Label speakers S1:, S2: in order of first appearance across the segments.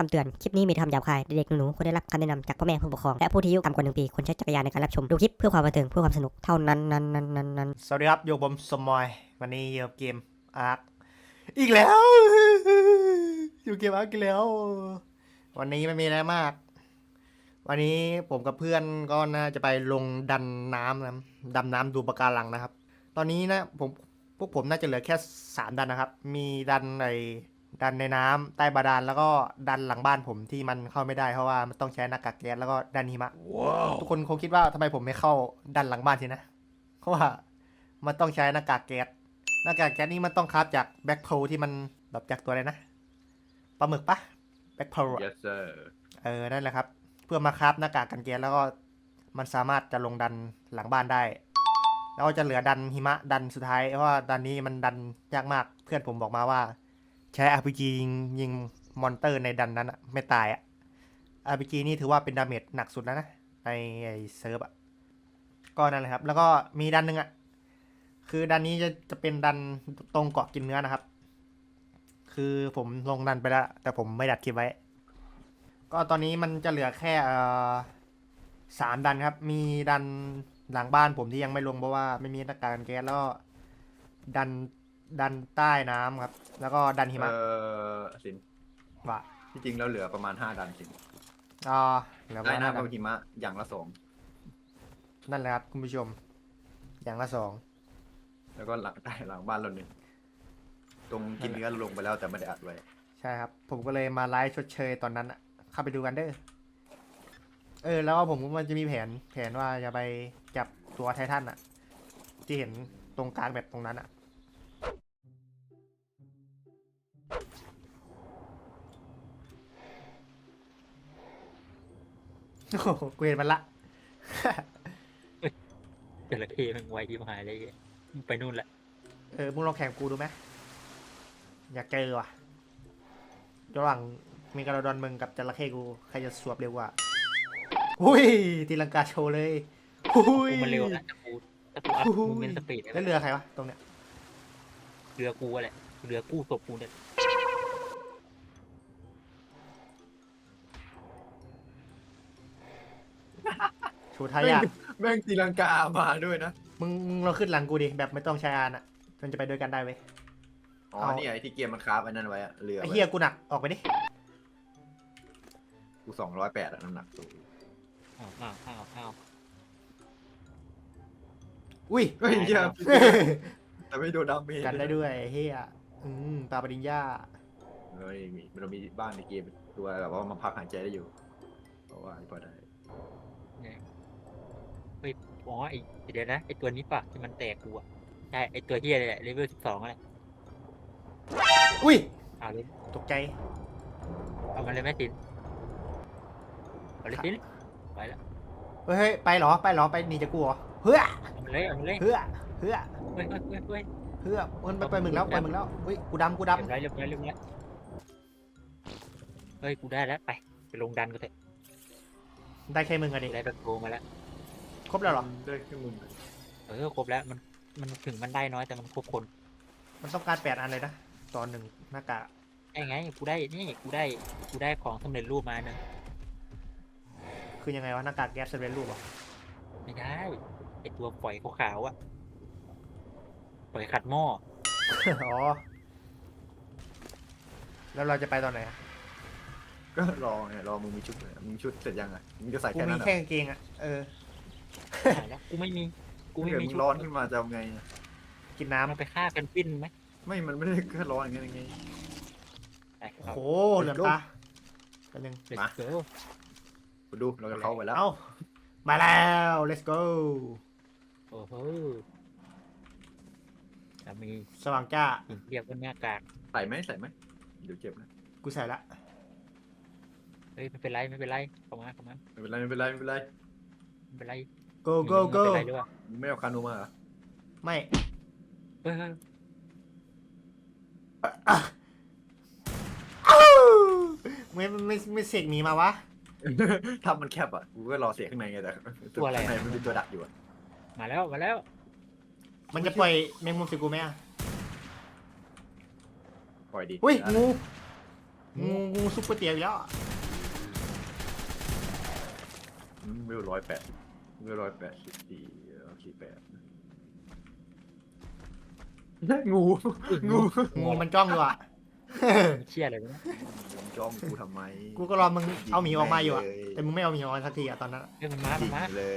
S1: คำเตือน คลิปนี้มีคำหยาบคาย เด็กๆหนูๆควรได้รับคำแนะนำจากพ่อแม่ผู้ปกครองและผู้ที่อายุต่ำกว่า1 ปีควรใช้จักรยานในการรับชมดูคลิปเพื่อความบันเทิงเพื่อความสนุกเท่านั้นสวัสดีครับอยู่ผมสมอยวันนี้อยู่เกมอาร์คอีกแล้วอยู่เกมอาร์คอีกแล้ว วันนี้ไม่มีอะไรมาก วันนี้ผมกับเพื่อนก็น่าจะไปลงดันน้ำนะดำน้ำดูปะการังนะครับ ตอนนี้นะพวกผมน่าจะเหลือแค่3ดันนะครับ มีดันในน้ำใต้บาดาลแล้วก็ดันหลังบ้านผมที่มันเข้าไม่ได้เพราะว่ามันต้องใช้หน้ากากแก๊สแล้วก็ดันหิมะ ทุกคนคงคิดว่าทำไมผมไม่เข้าดันหลังบ้านทีนะเพราะว่ามันต้องใช้หน้ากากแก๊สนี้มันต้องคราฟจากแบ็คโพลที่มันแบบจากตัวอะไรนะปลาหมึกปะแบ็คโพล
S2: yes sir
S1: นั่นแหละครับ เพื่อมาคราฟหน้ากากกันแก๊สแล้วก็มันสามารถจะลงดันหลังบ้านได้ แล้วก็จะเหลือดันหิมะดันสุดท้ายเพราะว่าดันนี้มันดันยากมากเพื่อนผมบอกมาว่าใช้ RPG ยิงมอนเตอร์ในดันนั้นอะไม่ตายอะ RPG นี่ถือว่าเป็นดาเมจหนักสุดแล้วนะในเซิร์ฟอะก็นั่นแหละครับ แล้วก็มีดันหนึ่งอะคือดันนี้จะเป็นดันตรงเกาะกินเนื้อนะครับ คือผมลงดันไปแล้วแต่ผมไม่ดัดคลิปไว้ ก็ตอนนี้มันจะเหลือแค่3 ดันครับ มีดันหลังบ้านผมที่ยังไม่ลงเพราะว่าไม่มีหน้ากากกันแก๊สแล้วก็ดันใต้น้ำครับ แล้วก็ดันหิมะ
S2: สิน
S1: ว่า
S2: ที่จริงเราเหลือประมาณ5 ดันสิน
S1: เหลือ
S2: ได้
S1: ว่า
S2: นะ
S1: ดั
S2: กับหิมะอย่างละ
S1: นั่นแหละครับคุณผู้ชม อย่างละ
S2: 2แล้วก็หลังบ้านเรา1ตรงกินเนื้อเราลงไปแล้วแต่ไม่ได้อัดไว้
S1: ใช่ครับ ผมก็เลยมาไลฟ์ชดเชยตอนนั้นอะเข้าไปดูกันเด้อแล้วผมก็มันจะมีแผนว่าจะไปจับตัวไททันอะที่เห็นตรงกลางแบบตรงนั้นอะโอ้โหกูเห็นมันละ
S3: จระเข้มันไวที่หายเลยไปนู่นแหละ
S1: มึงลองแข่งกูดูไหมอยากเจอว่ะระหว่างเมกาโลดอนมึงกับจระเข้กูใครจะสวบเร็วกว่าอุ้ยตีลังกาโชว์เลยอุ้ย
S3: กูมันเร็วนะแต่กูอัพมูเมนต์สปีด
S1: แล้วเรือใครวะตรงเนี้ย
S3: เรือกูแหละเรือกู้ศพกูเนี่ย
S1: โชว์ทายาท
S2: แม่งตีลังกามาด้วยนะ
S1: มึงเราขึ้นหลังกูดิแบบไม่ต้องใช้อานอ่ะมันจะไปด้วยกันได้เว้ย
S2: อ๋อนี่ไอ้ที่เกมมันคราฟไอ้นั่นไว้อะเรือ
S1: ไอ้
S2: ไว้
S1: เฮียกูหนักออกไปดิ
S2: กู208อะน้ำหนักสูง
S3: อ้าว
S1: อุ้ย
S2: เฮ้ยเหี้ยแต่ไม่โดนดาเมจ
S1: กันได้ด้วยไอ้เฮียปลาปริญญา
S2: เรามีบ้านในเกมตัวแบบว่ามันพักหายใจได้อยู่เพราะว่าพอได้
S3: เฮ้ยอ๋อไอเดี๋ยวนะไอตัวนี้ปะที่มันแตกกูอ่ะใช่ไอตัวเฮียเลยแหละเลเวล12อะไร
S1: อุ้ย
S3: เอาเลย
S1: ตกใจ
S3: เอามันเลยแม่สินเอาเลยสินไปละ
S1: เฮ้ยไปเหรอไปหนีจากกูเหรอเฮ้ย
S3: เอามันเลย
S1: เฮ้ย
S3: เฮ้ย
S1: มันไปมึงแล้วอุ้ยกูดำ
S3: เรียบร้อยเฮ้ยกูได้แล้วไปลงดันก็เถอะ
S1: ได้แค่มึงอะดิ
S3: ได้แบบโกมาแล้ว
S1: ครบแล้วเหรอ
S2: ได้แค่มึง
S3: ครบแล้วมันถึงมันได้น้อยแต่มันครบคน
S1: มันต้องการ8 อันเลยนะตอน1หน้ากาก
S3: ไอ้ไงกูได้ของสำเร็จรูปมาหนึ่ง
S1: คือยังไงวะหน้ากากแก๊สเซเว่นรูปเหรอ
S3: ไม่ได้ไอตัวปล่อยขาวๆอะปล่อยขัดหม้อ
S1: อ๋อแล้วเราจะไปตอนไหนอะ
S2: ก็รอไงรอมึงมีชุดเลยมึงชุดเสร็จยังไงมึงจะใส่
S1: กู
S2: แค่
S1: มี
S2: นั้น
S1: แค่กางเกงอะ
S3: หายแล้วกูไม่มี
S2: ถ้าเกิดมึ
S3: ชุ
S2: ง
S3: ด
S2: ร้อนขึ้นมาจะเอาไง
S1: กินน้ำ
S3: มันไปฆ่ากันปิ้นไหม
S2: ไม่มันไม่ได้แค่ร้อนอย่างเงี้ย
S3: ไป
S1: โอ้เหลือมตาไปหนึ่ง
S3: เด็ก
S2: มา
S3: เกิร์ล
S2: กูดูเราจะเข้าไปแล้ว
S1: เอ้ามาแล้ว let's go
S3: โอ้โหจะมี
S1: สว่างจ้า
S3: สิ่งเรียกว่าหน้ากาก
S2: ใส่ไหมเดี๋ยวเจ็บนะ
S1: กูใส่ละ
S3: เฮ้ยไม่เป็นไรเข้ามา
S2: ไม่เป็นไรไม่เป็นไรไม่เป็นไร
S3: ไม่เป็นไร
S1: go go go
S3: ไม่เป็นไรด้วย
S2: มึงไม่เอาคานูมาเหรอ
S1: ไม่
S3: เฮ้ย
S1: ไม่เสกหนีมาวะ
S2: ถ้ามันแคบอ่ะกูก็รอเสียข้างในไงแต่ข้างในมันมีตัวดักอยู่อ่ะ
S3: มาแล้ว
S1: มันจะปล่อยแมงมุมใส่กูไหมอะ
S2: ปล่อยดิ
S1: อุ้ยงูงูซุปเปอร์เตี๋ยวอีกแล้ว
S2: เวล180เวล18448งูงู
S1: งูมันจ้องอยู่อ่ะ
S3: เชี่ยอะไรวะเนี่ย
S2: จ้องกูทำไม
S1: กูก็รอมึงเอาหมีออกมาอยู่อะแต่มึงไม่เอาหมีออกมาสักทีอะตอนนั้น
S3: เรื่องมันมา
S2: จริง
S3: มา
S2: เลย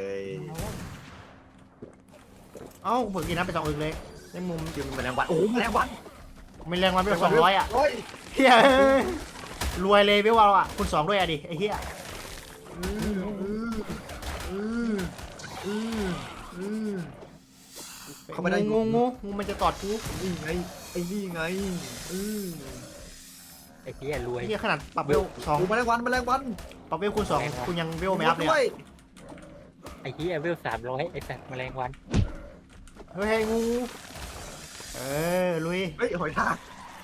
S1: เอ้าผมกินน้ำไป2 อึกเลยในมุม
S2: จิ้มแมลงวันโอ้แมลงวัน
S1: ไม่แรงวันไป200อะเฮียรวยเลยเวลอะคูณ2ด้วยอะดิไอ้เฮีย
S2: เข้าไปได้
S1: งูมันจะตอดกู
S2: นี่ไงไอ้นี่ไง
S3: ไอ้เหี้ยรวย
S1: ไอ้เฮียขนาดปรับเวล
S2: โอ้แมลงวันแมลงวัน
S1: 2ปรับเวลคูณ2คุณยังเวลไม่อัพเลย
S2: ด้วย
S3: ไอ้เหี้ยเวล300ไอ้สัตว์แมลงวัน
S1: เฮ้ยงูลุย
S2: เฮ้ยหอยทาก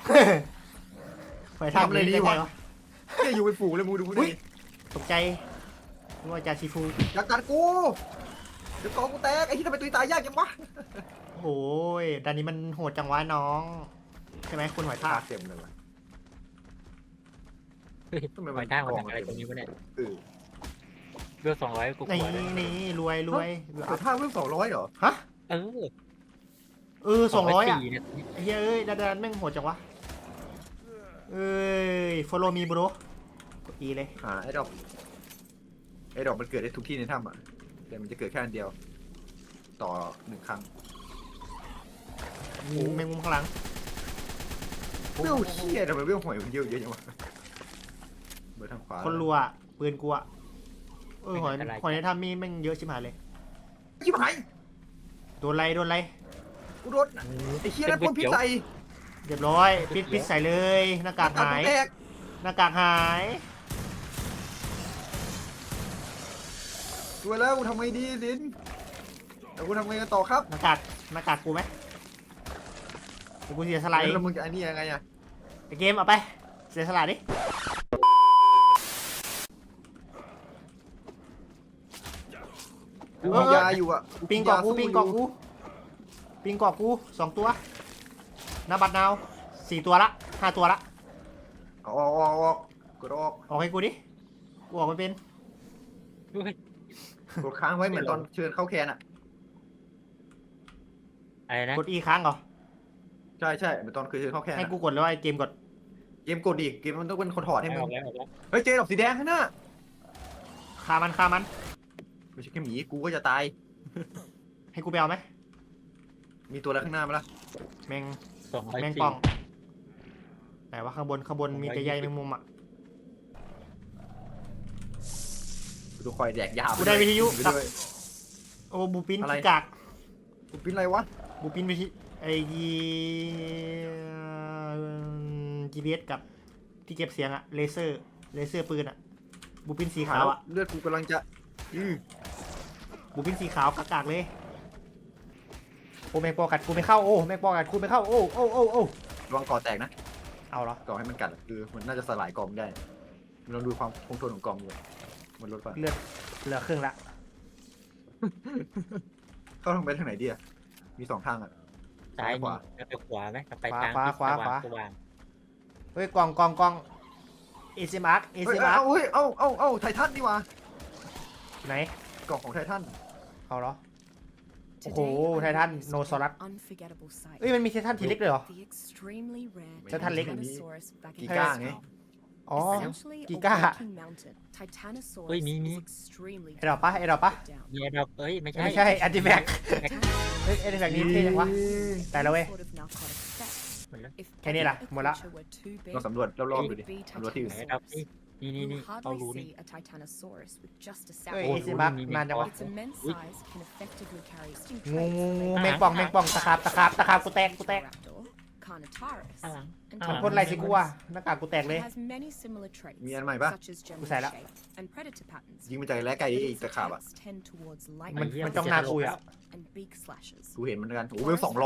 S1: ไปทำเลยดีวะ
S2: เนี่ยอยู่เป็นฝูงเลยมูดูดิ
S1: ตกใจนึกว่าจ่าชิฟู
S2: อยากกัดกูเดี๋ยวกองกูแตกไอ้ที่ทำไมตุยตายยากจังวะ
S1: โอ้ยด้านนี้มันโหดจังวะน้องใช่ไหมคุณหอยทาก
S2: เต็มเลยวะ
S3: เฮ้ย
S2: ทำไม
S3: ห
S2: มั
S3: อน ยทากมาจากอะไรตรงนี้วะเนี่ย เวล200กูก
S1: นี่
S3: ลัวเลย
S1: นี่รวย
S2: หอยทากเพิ่ม200เหรอ
S1: ฮะ
S3: เออ
S1: 200อ่ะ
S3: เนี่ย
S1: ไอ้เฮ้ยดันแม่งโหดจังวะfollow me bro กด E เลย
S2: หาไอ้ดอกมันเกิดได้ทุกที่ในถ้ำอ่ะแต่มันจะเกิดแค่อันเดียว ต่อ1 ครั้ง
S1: งูแมงมุมข้างหลัง
S2: เรื่องเชี่ยทำไมเรื่องหอยมันเยอะจังวะเบอร์ทางขวา
S1: คนรัวปืนกูอะหอยในถ้ำมีแม่งเยอะชิบหายเลย
S2: ชิบหาย
S1: โดนไร
S2: กูโดนไอ้เชี่ยนั่นพ่นพิษใส่
S1: เรียบร้อยปิดใส่เลยหน้ากากหาย
S2: แตก
S1: หน้ากากหาย
S2: ตัวแล้วกูทำไงดีลินแล้วกูทำไงกันต่อครับ
S1: หน้ากากกูไหมเดี๋ยวกูเสียสละ
S2: แล้วมึงจะอันนี้ยังไงอ่ะ
S1: ไอเกมเอาไปเสียสละดิ
S2: กูมียาอยู่อ่ะ
S1: ปิงเกาะกู2 ตัวนาบัดนาว4 ตัวละ5 ตัวละ
S2: ออกกดออก
S1: ออกให้กูดิกูออกไม่เป็น
S3: เฮ้ย
S2: กดค้างไว้เหมือนตอนเชิญเข้าแคนอ่ะ
S3: อะไรนะ
S1: กด E ค้างเหรอ
S2: ใช่เหมือนตอนเคยเชิญเข้าแคน
S1: ให้กูกดแล้วไอเกมกด
S2: เกมกดดิเกมมันต้องเป็นคนถอดให้มึ
S3: อง อกแล้ว
S2: เฮ้ยเจดอกสีแดงข้างหน้า
S1: ฆ่ามัน
S2: ไม่ใช่แค่หมีกูก็จะตาย
S1: ให้กูไปเอาไหม
S2: มีตัวอะไรข้างหน้าไหมล่ะ
S1: แมง
S3: 204
S1: ป่องไหนว่าข้างบนมีแต่ใยแมงมุมอ่ะ
S2: กูต้องคอยแดกยา
S1: กูได้วิทยุ
S2: ไปด้วย
S1: โอ้บูปิน
S2: อะไร
S1: ขี้กาก
S2: กูปิ้นอะไรวะ
S1: บูปินวิทยุไอGPS กับที่เก็บเสียงอะเลเซอร์ปืนอะบูปินสีขาวอะ
S2: เลือดกูกำลังจะ
S1: บูปินสีขาวกากๆเลยโอ้แมงปอกัดกูไม่เข้าโอ้แมงปอกัดกูไม่เข้าโอ้
S2: ระวังก่อแตกนะ
S1: เอาเหรอ
S2: ก่อให้มันกัดคือมันน่าจะสลายกล่องได้ลองดูความคงทนของกล่องอยู่มันลดไป
S1: เลือดเหลือครึ่งละ
S2: เข้าทางไปทางไหนดีอ่ะมี2 ทางอ่ะ
S3: ซ้าย
S2: ข
S3: มี
S2: วา
S3: แล้วไปขวาไหมไปทาง
S1: ขวา
S3: สว่าง
S1: เฮ้ยกล่องเอซิมาร์ก
S2: เฮ้ยเอาไททันดีกว่า
S1: ไหน
S2: กล่องของไททัน
S1: เอาเหรอโอ้โหไททันโนซอรัสเอ้ยมันมีไททันทีเล็กเลยเหรอ ไททันเล็ก
S2: กีก้าไง
S1: อ๋อ กีก้า
S3: เฮ้ยมี
S1: ไอ้ดอกปะ
S3: มีไอ้ดอกเอ้ยไม่ใช่
S1: ไม่ใช่อันติแบกเฮ้ยอันติแบกนี่เท่จังวะแต่ละเว้ย แค่นี้ล่ะหมดละ
S2: ลองสำรวจรอบๆดูดิสำรวจที่อื่น
S3: ไอ้ดอกนี่เอารู้นี่
S1: เฮ้ย
S3: โอ้
S1: เอซิมาร์ก
S3: มี
S1: นานจังวะ
S3: อุ๊
S1: งูแมงป่องตะขาบกูแตก
S3: ข้างหลัง
S1: มันพ่นอะไรสิกูอ่ะหน้ากากกูแตกเลย
S2: มีอันใหม่ปะ
S1: กูใส่ละ
S2: ยิงมันจากแร้ไก่อีกตะขาบอ่ะ
S1: มันจ้องหน้ากูอ่ะ
S2: กูเห็นมันกันโอ้โหเวล200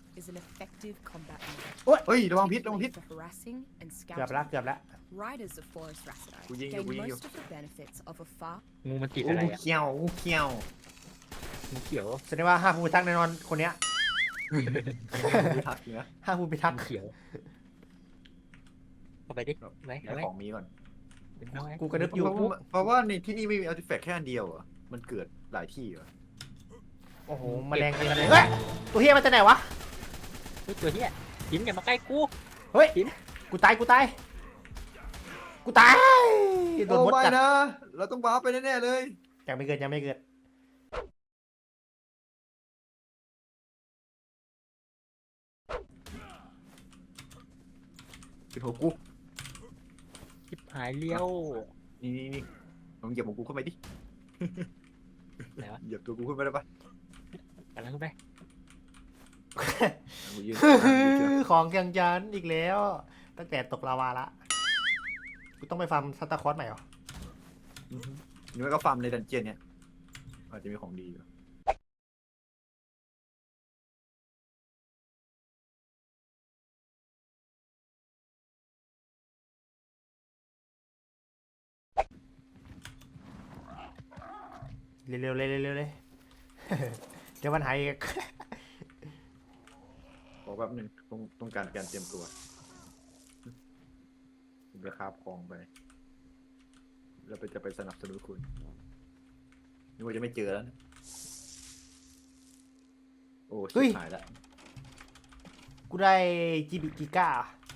S2: เฮ้ยระวังพิษ
S1: เกือบละ
S2: กูยิงอยู่
S3: งูมันติด
S2: โอ้
S3: อะไร
S2: กู
S3: อ่ะ
S2: เขี้ยว
S3: งูเขียว
S1: แสดงว่าห้าผู้พิทักษ์แน่นอนคนเนี้ย
S2: กูทักอยู่นะ
S1: ห้าผู้พิทักษ์
S3: งูเขียวเข้าไปดิไหม
S2: ให้
S3: ไหม
S2: ของมีก่อน
S3: เป็นไง
S1: กูกระดึบอยู่
S2: เพราะว่าในที่นี่ไม่มีอาร์ติแฟกต์แค่อันเดียวเหรอมันเกิดหลายที่เหรอ
S1: โอ้โหแมลงกันเลยเฮ้ยตัวเฮียมันจะไหนวะ
S3: เฮ้ยตัวเหี้ยยิ้มอย่ามาใกล้กู
S1: เฮ้ย
S3: หิน
S1: กูตายโดน
S2: โอ้
S1: มด
S2: ไม่
S1: กัด
S2: นะ เราต้องว้าร์ปไปแน่ๆเลย
S1: ยังไม่เกิด
S2: เป็นหัวกู
S3: ชิบหายเลี้ยว
S2: นี่ลองเหยียบของกูเข้าไปดิ
S3: ไหนวะ
S2: เหยียบตัวกูขึ้นไปได้ปะ
S3: กำลังขึ้นไป
S2: กูยืน
S1: ของแกงจันอีกแล้ว ตั้งแต่ตกลาวาละกูต้องไปฟาร์มซัตตาคอสใหม่เหรอ
S2: นี่มันก็ฟาร์มในดันเจียนเนี่ยอาจจะมีของดีอยู่
S1: เร็วๆเลย เดี๋ยวมันหายอีก
S2: บอกแป๊บนึงต้องการเตรียมตัวผมจะคาบของไปแล้วจะไปสนับสนุนคุณนึกว่าจะไม่เจอแล้วนะโอ้ชิบหายละ
S1: กูได้จีบิกิก้า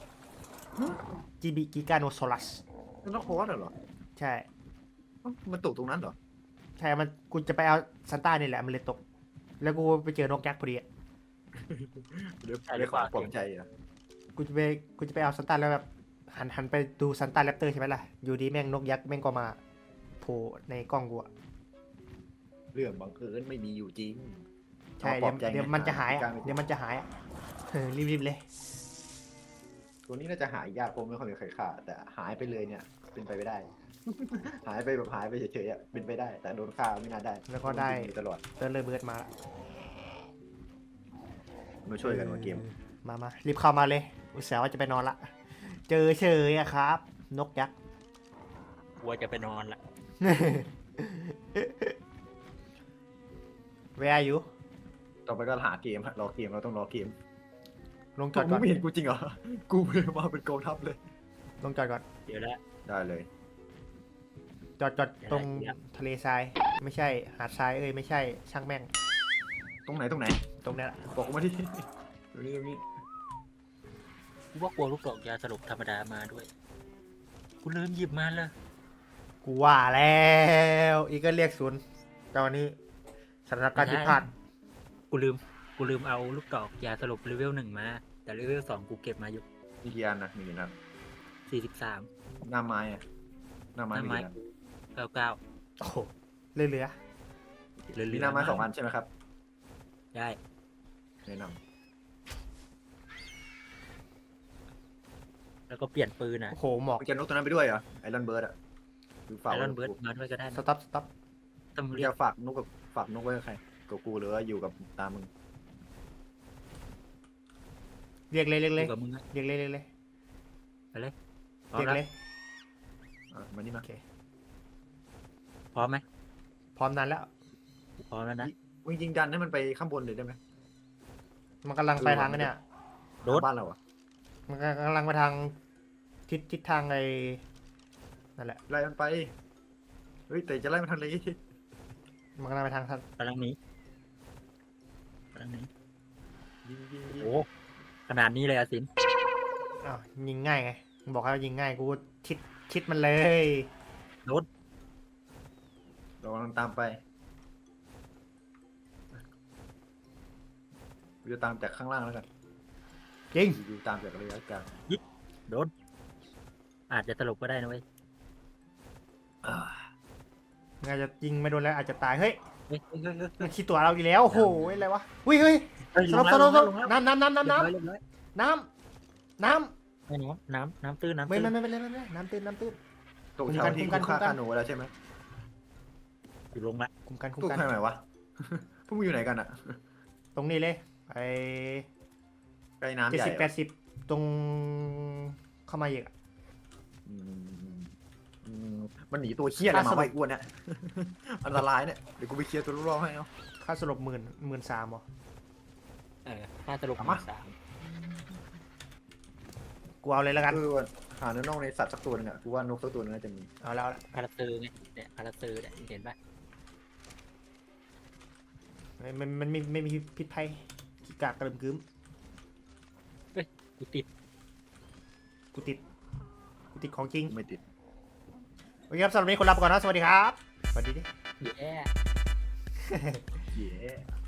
S1: โนโซลัส
S2: นั่นต้องโค้ดเหรอ
S1: ใช่
S2: มันตกตรงนั้นเหรอ
S1: ใช่มันกูจะไปเอาซันต้านี่แหละมันเลยตก แล้วกูไปเจอนกยักษ์พอดีอะ
S2: เดี๋ยวขอปลอบใจอ่ะ
S1: กูจะไปเอาซันต้าแล้วแบบหันไปดูซันต้าแรปเตอร์ใช่ไหมล่ะอยู่ดีแม่งนกยักษ์แม่งก็มาโผล่ในกล้องกูอะ
S2: เรื่องบังเอิญไม่มีอยู่จริง
S1: ใช่
S2: ปลอบใจ
S1: เดี๋ยวมันจะหายอะ
S2: กลง
S1: เดี๋ยวมันจะหายอะรีบเลย
S2: ตัวนี้น่าจะหายยากเพราะไม่ค่อยมีใครฆ่าแต่หายไปเลยเนี่ยเป็นไปไม่ได้ หายไปแบบหายไปเฉยๆอ่ะเป็นไปได้ แต่โดนฆ่าไม่น่าได้
S1: แล้วก็ได้
S2: มันอยู่ตลอด
S1: เติร์นเลยเบิร์ดมาละ
S2: มาช่วยกันมาเกม
S1: มารีบเข้ามาเลยอุตส่าห์ว่าจะไปนอนละเจอเฉยอะครับ นกยักษ์
S3: กลัวจะไปนอนละ
S1: Where are you
S2: ต่อไปก็หาเกมฮะรอเกมเราต้องรอเกม
S1: ลงจ
S2: จ
S1: อ
S2: อ
S1: ด
S2: ด
S1: ก่อน
S2: ไม่เห็นกูจริงเหรอ กูมาเป็นกองทัพเลย
S1: ลงจอดก่อน
S3: เดี๋ยวละ
S2: ได้เลย
S1: จอดตรงทะเลทรายไม่ใช่หาดทรายไม่ใช่ช่างแม่ง
S2: ตรงไหน
S1: ตรงนี้แหละ
S2: บอกกูมาที่ ตรงนี้
S3: กูว่ากลัวลูกดอกยาสลบธรรมดามาด้วยกูลืมหยิบมาเลย
S1: กูว่าแล้วอีกก็เรียกศูนย์ตอนนี้สถานการณ์ผิดพลาด
S3: กูลืมเอาลูกดอกยาสลบเลเวล 1มาแต่เลเวล 2กูเก็บมาอยู่
S2: มีกี่อันนะมีกี่นัด
S3: 43
S2: หน้าไม้อะหน้าไม้มีกี่นัด
S3: 99
S1: โอ้โหเหลือ
S3: เหลือ
S2: มีหน้าไม้2 อันใช่ไหมครับ
S3: ได้
S2: แนะน
S3: แล้วก็เปลี่ยนปืน
S1: ๆ
S3: นะ
S1: โอ้โหหมอก
S2: ำจะนกตัวนั้นไปด้วยเหรอไอรอนเบิร์ดอะคือฝาก
S3: ไอ
S2: ไว้
S3: รอนเบิร์ด
S2: กับกู
S3: มาด้วยก็ได้
S1: ส
S3: นะ
S1: ต็อป
S3: ต้อง
S2: มึง
S3: เรียก
S2: จะฝากนกไว้กับใครกับกูหรือว่าอยู่กับตามมึง
S1: เรียกเลย
S3: อยู่กับมึงอะ
S1: เรียกเลย
S3: ไปเลยพร้อ
S1: เรี
S3: ม
S1: ยก
S3: แล้ว
S1: เลย
S2: มานี่มา
S3: พร้อมไหม
S1: พร้อมนานแล้ว
S3: พร้อมแล้วนะ
S2: มึงยิงดันให้มันไปข้างบนเลยได้ไหม
S1: มันกำลังไปทางเนี่ย
S3: โดด
S2: บ้านเราอะ
S1: มันกำลังไปทางทิศทางนั่นแหละ
S2: ไล่มันไปเฮ้ยแต่จะไล่มันทางไหน
S1: มันกำลังไปทาง
S3: กำลังหนี้
S2: ยิง
S3: โอ้ขนาดนี้เลยอะสิน
S1: อ้าวยิงง่ายไงมึงบอกให้ยิงง่ายกูชิดมันเลย
S2: เรากำลังตามไปกูจะตามจากข้างล่างแล้วกัน
S1: ยิง
S2: อยู่ตามจากระยะกลาง
S3: โดนอาจจะตลบก็ได้นะเว้ย
S1: มึงอาจจะยิงไม่โดนแล้วอาจจะตายเฮ้ย
S3: เฮ้ย
S1: มันขี้ตัวเราอีกแล้วโอ้โหอะไรวะเฮ้ยสลบน้ำน้ำ
S3: น้ำ
S1: ไม่เป็นไรน้ำตื้น
S2: ตกเช้าที่กูฆ่าคาโนแล้วใช่ไหม
S3: อยู่ลงละ
S1: คุมกัน
S2: ตู้ทางไหนวะ พวกมึงอยู่ไหนกันอะ
S1: ตรงนี้เลยไอ้
S2: ใกล้น้ำใหญ่
S1: 70-80ตรงเข้ามาอีก
S2: มันหนีตัวเคี้ยอะไรมาไว้อ้วนเนี่ย อันตรายเนี่ยเดี๋ยวกูไปเคลียร์ตัวรอบๆให้เอา
S1: ค่าสลบ13,000หรอ
S3: ถ้าตลบ
S2: เอามา
S3: 3
S1: กูเอาเลยแล้วกัน
S2: หหาเนื้อน่องในสัตว์สักตัวหนึงอ่ะกูว่านกสักตัวหนึงน่าจะมี
S1: เอาแล้ว
S3: พาราเซอร์ไงเนี่ยพาราเซอร์เนี่ยเห็นปะ
S1: ไม่มีพิษภัยขี้กากกระเริ่มกึ้ม
S3: กูติด
S1: กูติดของจริง
S2: ไม่ติด
S1: โอเคครับสำหรับวันนี้คนลาไปก่อนนะสวัสดีครับสวัสดีดิ
S3: แย่
S2: เย้